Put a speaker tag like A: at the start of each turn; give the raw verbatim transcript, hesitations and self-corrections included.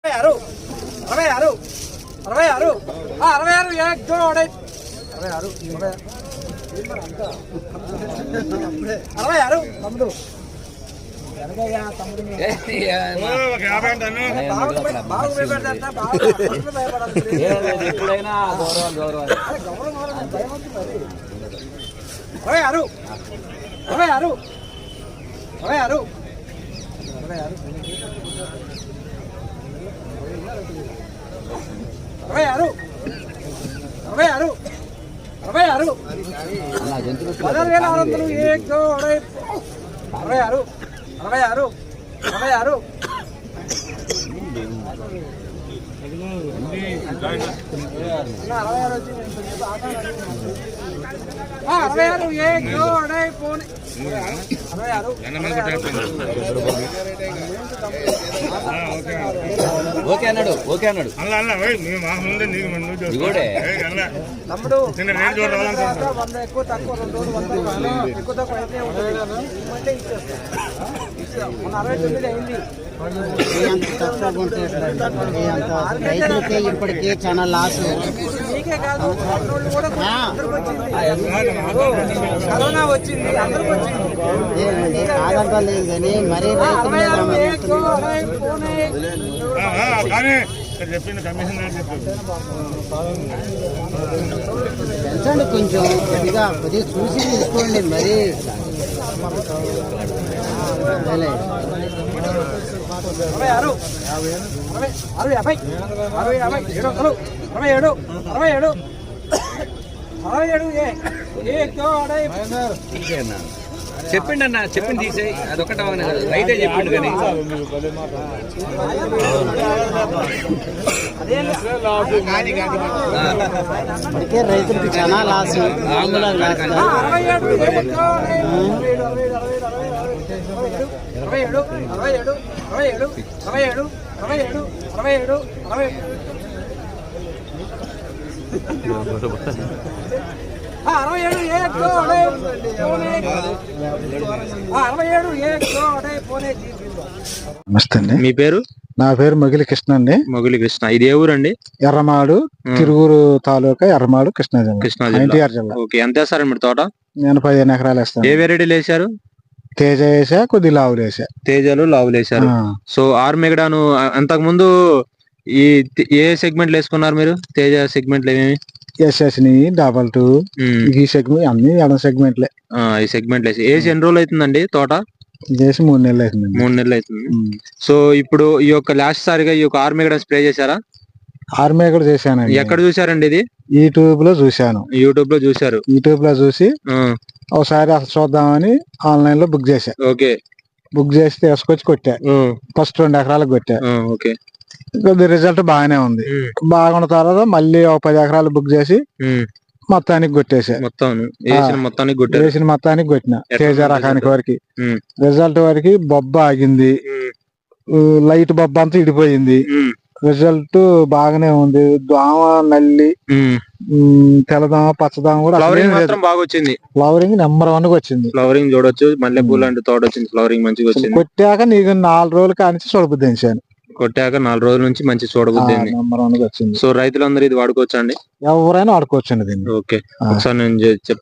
A: అరవై ఆరు అరవై ఆరు అరవై ఆరు एक दो अढ़ाई అరవై ఆరు అరవై ఆరు తమ్ముడు అరవై ఆరు అరవై ఆరు అరవై ఆరు అరవై ఆరు అరవై ఆరు అరవై ఆరు అరవై ఆరు పదహారు వేల ఆరు వందలు एक दो अढ़ाई అరవై ఆరు అరవై ఆరు అరవై ఆరు అరవై ఆరు एक दो अढ़ाई పోనీ అరవై ఆరు
B: ఓకే అన్నాడు ఓకే అన్నాడు
A: తమ్ముడు వంద ఎక్కువ తక్కువ రెండు రోజులు వంద ఎక్కువ తక్కువ అయితే ఉంటుంది ఇచ్చేస్తాం మన అరవై తొమ్మిది అయింది
C: రైతులకే ఇప్పటికే చాలా లాస్.
A: మీకే కాదు కూడా కరోనా వచ్చింది అందరికి వచ్చింది
C: కాదంటలేదు కానీ మరీ పెంచండి కొంచెం కొద్దిగా కొద్దిగా చూసి తీసుకోండి మరి
A: అరవై ఆరు అరవై ఆరు యాభై అరవై యాభై ఏడు వందలు అరవై ఏడు అరవై ఏడు అరవై ఏడు
B: చెప్పిండి అన్న చెప్పింది తీసేయి అదొకట రైతే చెప్పిండు కానీ
C: ఇప్పటికే రైతులకు చాలా లాస్.
A: అరవై ఏడు అరవై ఏడు అరవై ఏడు అరవై ఏడు అరవై ఏడు అరవై ఏడు అరవై ఏడు అరవై అరవై ఏడు అరవై ఏడు పోనే.
D: నమస్తే అండి.
B: మీ పేరు?
D: నా పేరు మొగిలి కృష్ణ అండి.
B: మొగిలి కృష్ణ. ఇది ఏ ఊరండి?
D: ఎర్రమాడు, తిరువురు తాలూకా, ఎర్రమాడు, కృష్ణా జిల్లా.
B: కృష్ణా
D: ఎన్టీఆర్ జిల్లా.
B: ఓకే, ఎంత వేస్తారండి మీరు తోట?
D: నేను పదిహేను ఎకరాలు వేస్తాను.
B: ఏ వెరైటీలు వేసారు?
D: తేజ వేసా, కొద్ది లావులు వేసా.
B: తేజలు లావులు వేసారు. సో ఆర్ మెగడాను అంతకు ముందు ఈ ఏ సెగ్మెంట్లు వేసుకున్నారు మీరు? తేజ సెగ్మెంట్లు ఏమేమి?
D: ఎస్ఎస్ ని డబల్ టూ ఈ సెగ్మెంట్ అన్ని ఎడం సెగ్మెంట్లే.
B: ఈ సెగ్మెంట్లు వేసి వేసి ఎన్ని రోజులు అవుతుందండి తోట?
D: చేసి మూడు నెలలు అవుతుంది.
B: మూడు నెలలు అవుతుంది. సో ఇప్పుడు ఈ యొక్క లాస్ట్ సారిగా ఈ యొక్క ఆర్ మెగడా స్ప్రే చేశారా?
D: ఆర్మీ కూడా చేశానండి.
B: ఎక్కడ చూసారండి ఇది?
D: యూట్యూబ్ లో చూశాను.
B: యూట్యూబ్ లో చూసారు.
D: యూట్యూబ్ లో చూసి ఒకసారి అసలు చూద్దామని ఆన్లైన్ లో బుక్ చేశా.
B: ఓకే,
D: బుక్ చేసి తీసుకొచ్చి కొట్టా. ఫస్ట్ రెండు ఎకరాలకు కొట్టా.
B: ఓకే,
D: కొద్ది రిజల్ట్ బాగానే ఉంది. బాగున్న తర్వాత మళ్ళీ ఒక పది ఎకరాలు బుక్ చేసి మొత్తానికి కొట్టేసా.
B: మొత్తం మొత్తానికి
D: వేసిన మొత్తానికి కొట్టిన తేజ రకానికి వరకు. రిజల్ట్ వరకు బొబ్బ ఆగింది, లైట్ బొబ్బ అంతా ఇడిపోయింది. రిజల్ట్ బాగానే ఉంది. దోమ, నల్లి, తెల్లదోమ, పచ్చదోమ కూడా
B: బాగా వచ్చింది.
D: ఫ్లవరింగ్ నెంబర్ వన్ గా వచ్చింది.
B: ఫ్లవరింగ్ చూడొచ్చు. మల్లె పూలు అంటే తోట వచ్చింది. ఫ్లవరింగ్ మంచిగా వచ్చింది.
D: కొట్టాక నీకు నాలుగు రోజులు కానించి చూడబుద్ధి వేసాను.
B: కొట్టాక నాలుగు రోజుల నుంచి మంచి చూడబుద్ధి
D: నెంబర్ వన్ గా వచ్చింది.
B: సో రైతులందరూ ఇది వాడుకోవచ్చా అండి?
D: ఎవరైనా వాడుకోవచ్చండి దీన్ని.
B: ఓకే, ఒకసారి నేను